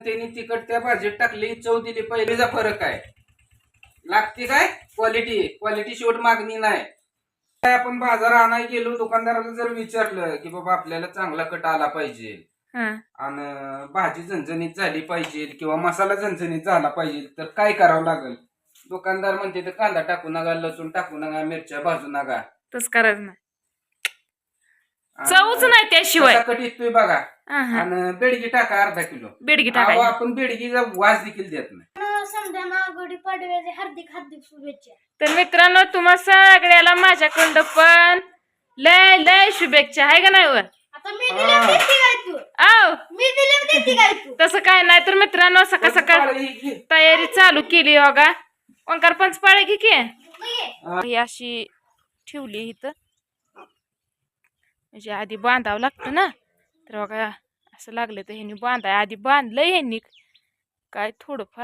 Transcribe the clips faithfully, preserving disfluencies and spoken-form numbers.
त्यांनी तिखट त्या भाजीत टाकली, चव दिली, पहिलेचा फरक आहे. लागते काय क्वालिटी, क्वालिटी शेवट मागणी नाही. काय आपण बाजार आणायला गेलो, दुकानदाराला जर विचारलं की बाबा आपल्याला चांगला कट आला पाहिजे आणि भाजी झणझणीत झाली पाहिजे किंवा मसाला झणझणीत झाला पाहिजे तर काय करावं लागेल? दुकानदार म्हणते तर कांदा टाकू नका, लसूण टाकू नका, मिरच्या भाजू नका. तस करायचं नाही, चवच नाही त्याशिवाय. कट येतोय बघा. आणि बेडगी टाका अर्धा किलो. बेडगी टाका, आपण बेडगीचा वास देखील देत नाही. गुढीपाडव्याच्या हार्दिक हार्दिक शुभेच्छा. तर मित्रांनो, तुम्हा सगळ्याला माझ्याकडं पण लय लय शुभेच्छा आहे का नाही? वर आता मी दिले देते काय तू? आव मी दिले देते काय तू? तसं काय नाही. तर मित्रांनो, सकाळ सकाळ तयारी चालू केली बघा. ओंकार पंचपाळे घे की ही अशी ठेवली इथं, म्हणजे आधी बांधावं लागतं ना. तर बघा असं लागलं तर ह्यांनी बांधाय आधी बांधलंय ह्यांनी काय थोडंफार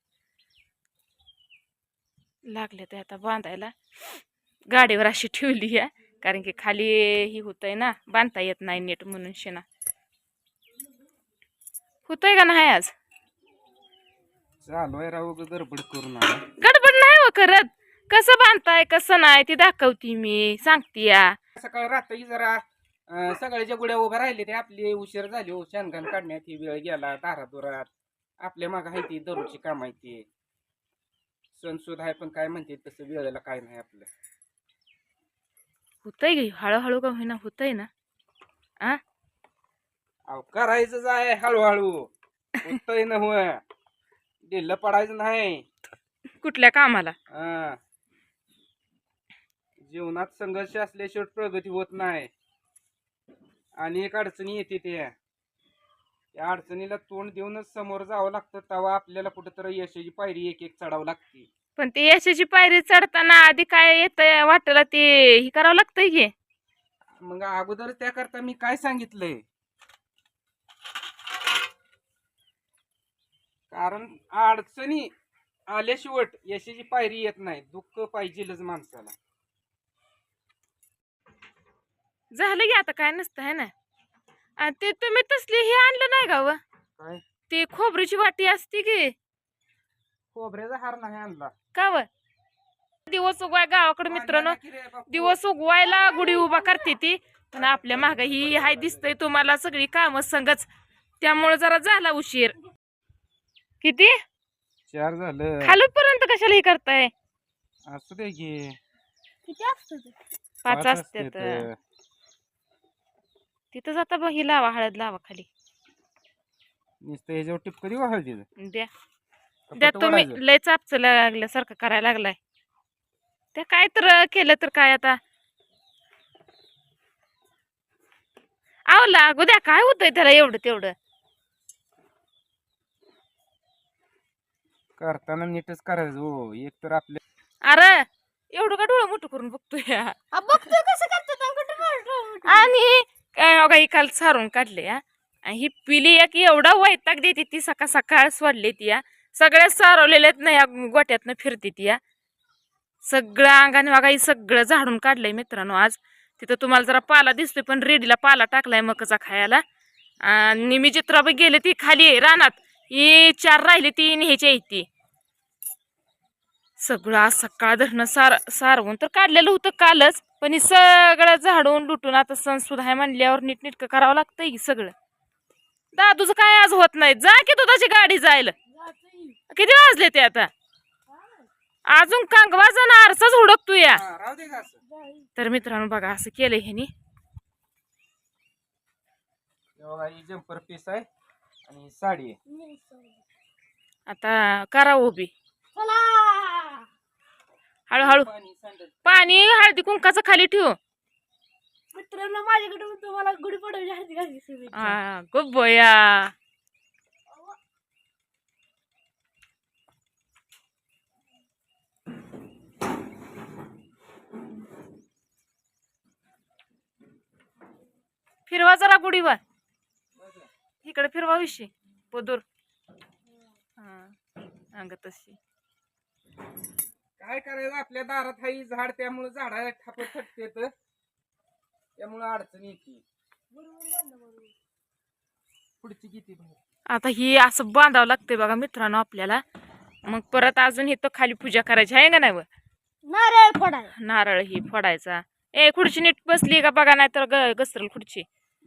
लागले तर आता बांधायला. गाडीवर अशी ठेवली आहे कारण की खाली ही होतंय ना, बांधता येत नाही नीट म्हणून. शेणा होतंय का नाही आज? चालू आहे राहू, गडबड करून. गडबड नाही हो करत. कसं बांधताय कसं नाही ते दाखवती मी, सांगते या. सकाळ रात्री जरा सगळ्याच्या गुड्या उभ्या राहिले ते आपली उशीर झाली हो. शेणघाण काढण्यात ही वेळ गेला, दारादुरात आपल्या माग आहे ती दररोजची काम आहे ती. सण सुद्धा आहे पण काय म्हणते तसं वेळेला काय नाही आपलं. होतंय गे हळूहळू का होईना, होतंय ना. आ अहो करायचंच आहे हळूहळू, होतंय ना. होय, ढिल्लं पडायचं नाही कुठल्या कामाला. हा, जीवनात संघर्ष असल्याशिवाय प्रगती होत नाही. आणि एक अडचणी येते त्या त्या अडचणीला तोंड देऊनच समोर जावं लागतं. तेव्हा आपल्याला कुठेतरी यशाची पायरी एक एक चढावं लागते. पण ते यशाची पायरी चढताना आधी काय येत वाटलं ते हे करावं लागतंय की. मग अगोदर त्याकरता मी काय सांगितलंय, कारण अडचणी आल्याशिवाय यशाची पायरी येत नाही. दुःख पाहिजेलच माणसाला. झालं की आता काय नसतं आहे ना. आणि ते तुम्ही तसली हे आणलं नाही का व, काय ते खोबरीची वाटी असते की. खोबऱ्याचा हार नाही आणला का व, दिवस उगवाय गावाकडे मित्रांनो, दिवस उगवायला गुढी उभा करते ती. पण आपल्या माग ही हाय दिसतंय तुम्हाला सगळी कामं संगच, त्यामुळे जरा झाला उशीर. किती चार झालं, खालूपर्यंत कशाला हे करताय? असू दे की, किती असतो ते? पाच असतात तिथं. जाता बघ, ही लावा हळद लावा खाली. नुसतं ह्याच्यावर टिपक देऊ हळदी द्या द्या, तुम्ही लय चापच लागल्यासारखं करायला लागलाय. त्या काय तर केलं तर काय आता. आव लागू द्या, काय होतंय त्याला एवढं तेवढं. करताना नीटच करायचं हो. एक तर आपल्या अरे एवढं का डोळं मोठं करून बघतोय. बघतोय कसं करतो. आणि काय बघा ही काल सारून काढले. आणि ही पिली एक एवढा वैताग देते ती, सकाळ सकाळ सोडली ती. या सगळ्या सारवलेल्यात ना या गोट्यातनं फिरते ती. या सगळं अंगाने बघा ही सगळं झाडून काढलंय मित्रांनो आज. तिथं तुम्हाला जरा पाला दिसतोय पण रेडीला पाला टाकलाय मकचा खायला. आणि मी चित्राबाई गेले ती खाली रानात, ही चार राहिली ती न्यायची आहे ती. सगळं आज सकाळ धरणं सार सारवून तर काढलेलं होतं कालच, पण ही सगळं झाडून लुटून आता सण सुद्धा आहे म्हणल्यावर नीटनीटकं करावं लागतंय की सगळं. दादूचं काय आज होत नाही. जा की दुधाची गाडी जायला. किती वाजले ते आता? अजून कांगवाचा ना आरसाच हुडकतो या. तर मित्रांनो बघा असं केलंय ह्यानी. जम्पर पीस आहे आणि साडी आहे. आता करा उभी हळूहळू. पाणी हळदी कुंकाचं खाली ठेवू. मित्रांनो माझ्याकडे तुम्हाला गुढीपाडव्याच्या हार्दिक हार्दिक शुभेच्छा. हा गुब्बोया. फिरवा जरा गुढीवर, इकडे फिरवा विषय पदूर. हा अंग तशी काय करायचं, आपल्या दारात हाई झाड, त्यामुळे झाडाला ठापट थटते, त्यामुळे अडचण येते. पुढची किती आता ही असं बांधावं लागतंय बघा मित्रांनो आपल्याला. मग परत अजून इथं खाली पूजा करायची आहे का नाही व? नारळ फोडाय. नारळ ही फोडायचा. ए खुर्ची नीट बसली का बघा, नाही तर घसरल खुर्ची.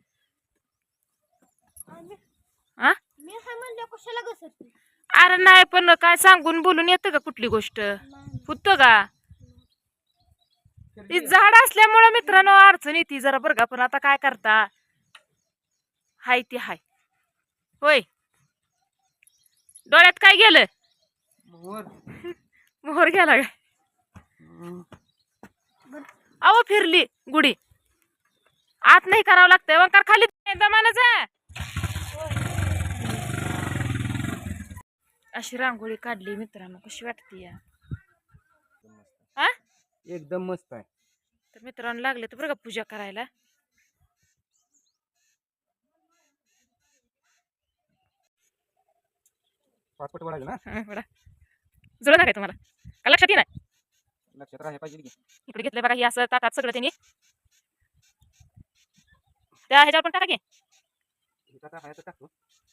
आ मी काय म्हणलं कशाला घसरते? अरे नाही, पण काय सांगून बोलून येतं का कुठली गोष्ट? होतं का? ती झाड असल्यामुळं मित्रांनो अडचण येते जरा बरं का. पण आता काय करता, हाय ती हाय. होय, डोळ्यात काय गेलं? मोहर गेला काय? अहो फिरली गुढी. आत नाही करावं लागतंय वंकार खाली दमानाचा. अशी रांगोळी काढली मित्रांनो, कशी वाटते या? हा एकदम मस्त आहे. तर मित्रांनो लागले तर बरं का पूजा करायला. पाचपट वाढायला ना जुळलं काय तुम्हाला का लक्षात येणार? लक्षात राहायला पाहिजे की. इकडे घेतलंय बघा, ही असं ताटात सगळं त्यांनी. त्या ह्याच्यावर पण टाका की. टाकतो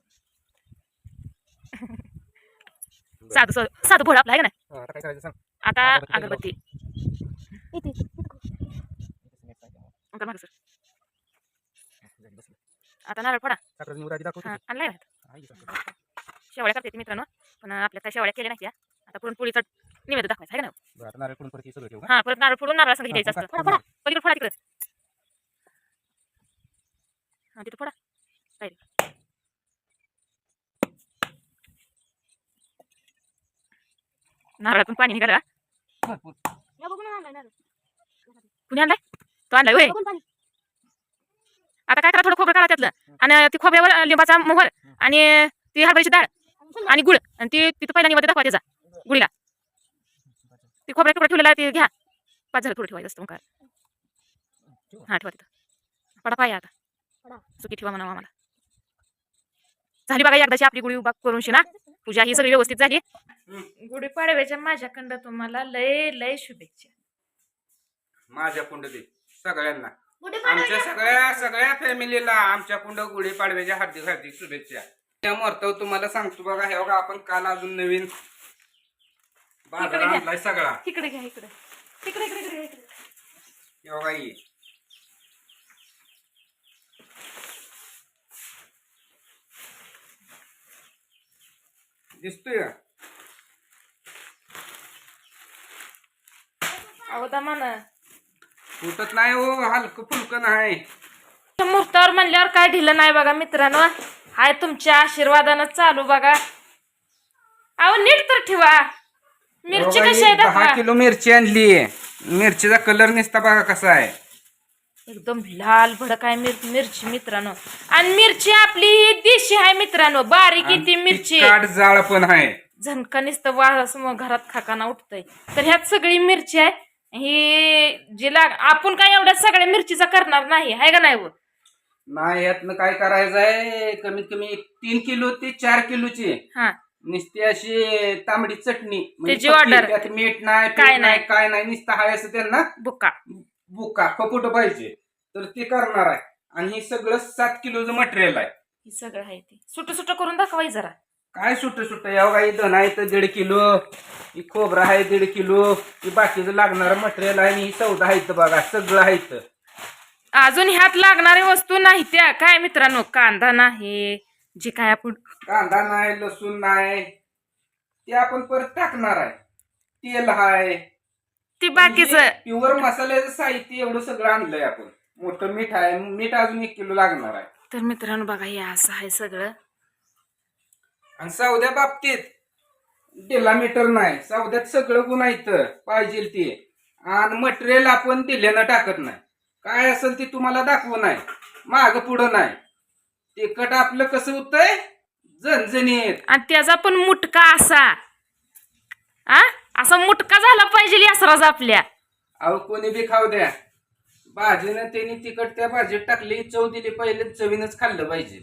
साधं साधं साधं भोळ आपलं आहे का नाही? आता काय करायचं सांग. आता अगरबत्ती अगरबत्ती इथे अंकल मागं सर. आता नारळ फोडा. साखरेची निवड आधी दाखवतो हा, की. आणलाय ना? आहे की साखर. शेवळ्या करते ती मित्रांनो, पण आपल्या काय शेवळ्या केल्या नाही त्या. आता पुरणपोळीचा निवेद दाखवायचा आहे का नाही? बरं, आता नारळ फोडून परत हे सगळं ठेवू का? हा, परत नारळ फोडून नारळ संग द्यायचं हा, असतं. फोडा, फोडा. पलीकडे फोडा तिकडे. हा तिथं फोडा. काय रे? नारळातून पाणी निघाला. भरपूर. या बघून आणलाय नारळ. कुणी आणलाय? तो आणलाय होय. बघून पाणी. आता काय करा, थोडं खोबरं काढा त्यातलं आणि ती खोबऱ्यावर लिंबाचा मोहर आणि ती हरभऱ्याची डाळ आणि गुळ आणि ती तिथं पहिला निवड दाखवा त्याचा गुळीला. ती खोबऱ्या तुकडा ठेवलेला ते घ्या. पाच झालं थोडं ठेवायचं असतं मग काय. हा ठेवा तिथं. पडा पाया आता. पडा. सुखी ठेवा म्हणावं आम्हाला. झाली बघा एकदाची आपली गुढी उभा करून शिना. पूजा ही सगळी व्यवस्थित झाली. गुढीपाडव्याच्या माझ्याकडं तुम्हाला लय लय शुभेच्छा. माझ्या कुंड दे सगळ्यांना, गुढीपाडवा आमच्या सगळ्या सगळ्या फॅमिलीला आमच्या कुंड गुढी पाडव्याच्या हार्दिक हार्दिक शुभेच्छा. त्या महत्व तुम्हाला सांगतो बघा. हे बघा आपण काल अजून नवीन बाजार घ्या. आणलाय सगळा. इकडे घ्या, इकडे इकडे इकडे इकडे इकडे. हे बघा ही दिसतोय का? अहो दमान फुटत नाही हो, हलकं फुलकं नाही. मुहूर्तावर म्हणल्यावर काय ढिलं नाही बघा मित्रांनो. हाय तुमच्या आशीर्वादानं चालू बघा. अहो नीट तर ठेवा. मिरची बघा कशी ही आहे दहा दाखवा. किलो मिरची आणली. मिरचीचा कलर निसता बघा कसा आहे. एकदम लाल भडक आहे मिर मिरची मित्रांनो. आणि मिरची आपली ही देशी आहे मित्रांनो. बारीक ती मिरची काट जाळ पण आहे. झणका नुसतं वास मग घरात खाकाना उठतंय. तर ह्यात सगळी मिरची आहे. ही जी लाग आपण काय एवढ्या सगळ्या मिरचीचा करणार नाही आहे का नाही व? नाही यातनं काय करायचंय, कमीत कमी तीन किलो ते चार किलोची हा नुसती अशी तांबडी चटणी म्हणजे त्याची पक्की, order. त्यात मीठ नाही काय काय नाही. नाही काय नाही नुसतं हाय असं त्यांना बुक्का बुका फपुट पाहिजे तर ते करणार आहे. आणि हे सगळं सात किलोचं मटेरियल आहे. ही सगळं आहे ती सुट सुट करून दाखवाय जरा. काय सुट सुट या काही धन आहे तर दीड किलो, ही खोबरं आहे दीड किलो, ही बाकीचं लागणारं मटेरियल आहे आणि ही सौदा आहे इथं बघा सगळं आहे इथं. अजून ह्यात लागणारी वस्तू नाही त्या काय मित्रांनो. कांदा नाही, जे काय आपण कांदा नाही, लसूण नाही, ते आपण परत टाकणार आहे. तेल आहे, ती बाकीचं प्युअर मसाल्याचं साहित्य एवढं सगळं आणलंय आपण. मोठं मीठ आहे, मीठ अजून एक किलो लागणार आहे. तर मित्रांनो बघा हे असं आहे सगळं. आणि सौद्या बाबतीत दिला मीटर नाही, सौद्यात सगळं गुण इथं पाहिजे ते. आणि मटेरियल आपण दिल्यानं टाकत नाही. काय असेल ते तुम्हाला दाखवू नाही, माग पुढं नाही. तिखट आपलं कसं होतंय झणझणीत. आणि त्याचा पण मुटका असा आ असा मुटका झाला पाहिजे असराज आपल्या. अहो कोणी बी खाऊ द्या, भाजीनं त्यांनी तिखट त्या भाजीत टाकली, चव दिली, पहिले चवीनच खाल्लं पाहिजे.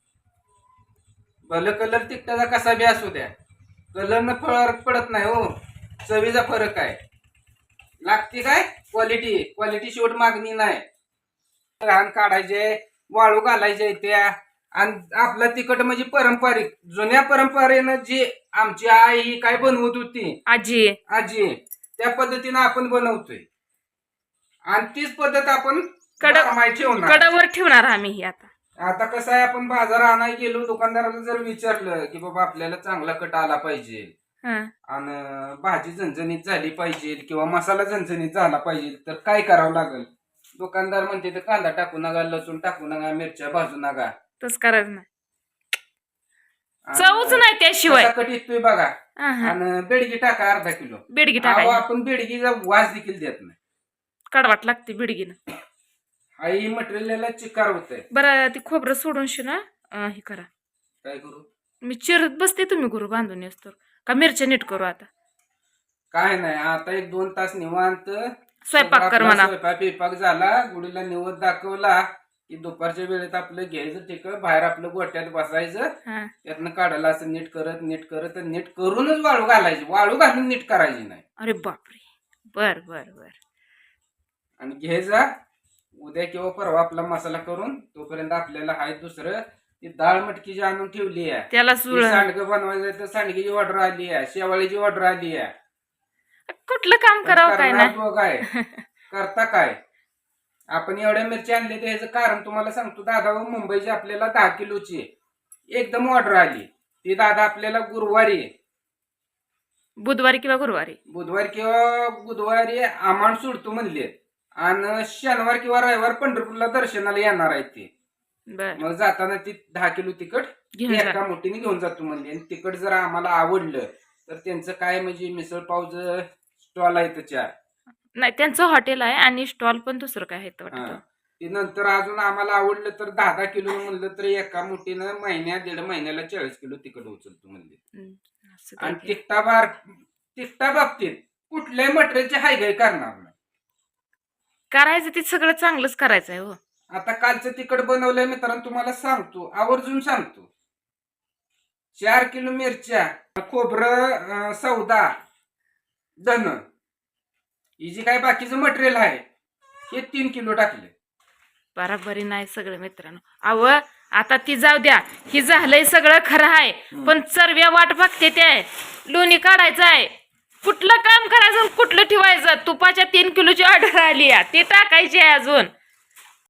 भलं कलर तिखटाचा कसा बी असू द्या, कलरनं फरक पडत नाही हो, चवीचा फरक आहे. लागते काय क्वालिटी, क्वालिटी शेवट मागणी नाही. घाण काढायचे, वाळू घालायचे त्या आणि आपला तिखट म्हणजे पारंपरिक जुन्या परंपरेनं जी आमची आई ही काय बनवत होती आजी आजी त्या पद्धतीनं आपण बनवतोय आणि तीच पद्धत आपण कड बारमाही ठेवणार. कडावर ठेवणार आम्ही ही आता. आता कसं आहे आपण बाजार आणायला गेलो दुकानदाराला जर विचारलं की बाबा आपल्याला चांगला कट आला पाहिजे हं. आणि भाजी झणझणीत झाली पाहिजे किंवा मसाला झणझणीत झाला पाहिजे तर काय करावं लागेल. दुकानदार म्हणते तर कांदा टाकू नका लसूण टाकू नका मिरच्या भाजू नका तसं करायचं नाही. आणि चवच नाही त्याशिवाय. कसा कट येतोय बघा हं, हं. आणि बेडगी टाका अर्धा किलो. बेडगी अहो, टाकायची. आपण बेडगीचा वास देखील देत नाही. कडवाट लागते बेडगीनं. आई मटेरियलला चिकार होतंय. बरं ती खोबरं सोडून शिना अं, हे करा. काय करू मी चिरत बसते तुम्ही गुरु बांधून येस तर का मिरच्या नीट करू आता. काय नाही आता एक दोन तास निवांत स्वयंपाक कर आपला म्हणा. स्वयंपाक बिपाक झाला गुडीला निवद दाखवला की दुपारच्या वेळेत आपलं घ्यायचं तिकड बाहेर आपलं गोट्यात बसायचं हं. त्यातनं काढायला असं नीट करत नीट करत नीट करूनच वाळू घालायची. वाळू घालून नीट करायची नाही. अरे बापरे. बर बर बर. आणि घ्यायचा उद्या किंवा परवा आपला मसाला करून तोपर्यंत आपल्याला हाय दुसरं ती डाळ मटकी जी आणून ठेवली आहे त्याला सुळ सांडगं बनवायचं तर सांडगेची ऑर्डर आली आहे शेवाळीची ऑर्डर आली आहे. कुठलं काम करावं काय करणार नाही. तो काय करता काय आपण एवढ्या मिरची आणली तर ह्याचं कारण तुम्हाला सांगतो. दादा मुंबईची आपल्याला दहा किलोची एकदम ऑर्डर आली. ती दादा आपल्याला गुरुवारी बुधवारी किंवा गुरुवारी बुधवार किंवा बुधवारी आमाण सोडतो म्हणले आणि शनिवार किंवा रविवार पंढरपूरला दर्शनाला येणार आहेत ते. बर मग जाताना ती दहा किलो तिखट घेऊन जा. एका मोठीने घेऊन जातो म्हणले. आणि तिखट जर आम्हाला आवडलं तर त्यांचं काय म्हणजे मिसळ पावचं स्टॉल आहे तर चार. नाही त्यांचं हॉटेल आहे आणि स्टॉल पण दुसरं काय आहे ते हा. वाटतं. ती नंतर अजून आम्हाला आवडलं तर दहा दहा किलो म्हणलं तर एका मोठीनं महिन्या दीड महिन्याला चाळीस किलो तिखट उचलतो म्हणले. हम्म, असं काय आणि काय. तिखटा बार तिखटा बाबतीत कुठल्याही मटेरियलची हायगाई करणार नाही. करायचं ते सगळं चांगलंच करायचं आहे हो. आता कालचं तिखट बनवलंय मित्रांनो तुम्हाला सांगतो आवर्जून सांगतो. चार किलो मिरच्या खोबरं अं, सौदा धन ही जी काय बाकीचं मटेरियल आहे हे तीन किलो टाकले. बराबरी नाही सगळं मित्रांनो. अव आता ती जाऊ द्या. ही झालंय सगळं खरं आहे पण चरव्या वाट बघते ते लोणी काढायचं आहे. कुठलं काम करायचं आणि कुठलं ठेवायचं. तुपाच्या तीन किलोची ऑर्डर आली आहे ती टाकायची आहे अजून.